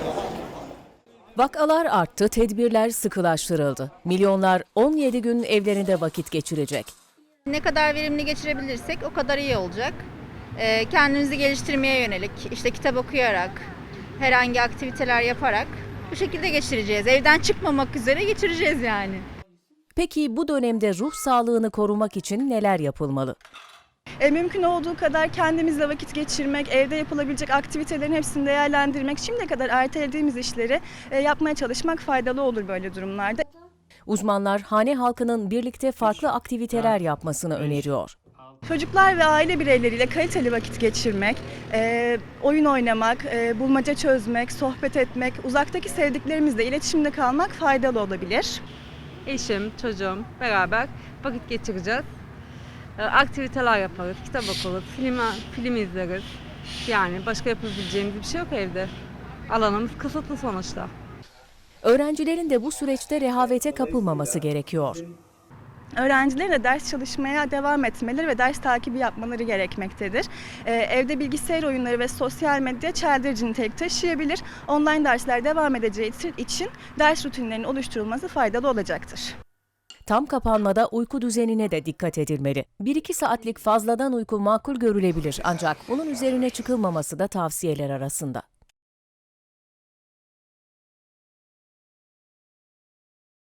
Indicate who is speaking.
Speaker 1: Vakalar arttı, tedbirler sıkılaştırıldı. Milyonlar 17 gün evlerinde vakit geçirecek.
Speaker 2: Ne kadar verimli geçirebilirsek o kadar iyi olacak. Kendimizi geliştirmeye yönelik, işte kitap okuyarak, herhangi aktiviteler yaparak bu şekilde geçireceğiz. Evden çıkmamak üzere geçireceğiz yani.
Speaker 1: Peki bu dönemde ruh sağlığını korumak için neler yapılmalı?
Speaker 3: Mümkün olduğu kadar kendimizle vakit geçirmek, evde yapılabilecek aktivitelerin hepsini değerlendirmek, şimdiye kadar ertelediğimiz işleri yapmaya çalışmak faydalı olur böyle durumlarda.
Speaker 1: Uzmanlar hane halkının birlikte farklı aktiviteler yapmasını öneriyor.
Speaker 3: Çocuklar ve aile bireyleriyle kaliteli vakit geçirmek, oyun oynamak, bulmaca çözmek, sohbet etmek, uzaktaki sevdiklerimizle iletişimde kalmak faydalı olabilir.
Speaker 4: Eşim, çocuğum beraber vakit geçireceğiz. Aktiviteler yaparız, kitap okuruz, film izleriz. Yani başka yapabileceğimiz bir şey yok evde. Alanımız kısıtlı sonuçta.
Speaker 1: Öğrencilerin de bu süreçte rehavete kapılmaması gerekiyor.
Speaker 3: Öğrencilerin de ders çalışmaya devam etmeleri ve ders takibi yapmaları gerekmektedir. Evde bilgisayar oyunları ve sosyal medya çeldirici nitelik taşıyabilir. Online dersler devam edeceği için ders rutinlerinin oluşturulması faydalı olacaktır.
Speaker 1: Tam kapanmada uyku düzenine de dikkat edilmeli. 1-2 saatlik fazladan uyku makul görülebilir ancak bunun üzerine çıkılmaması da tavsiyeler arasında.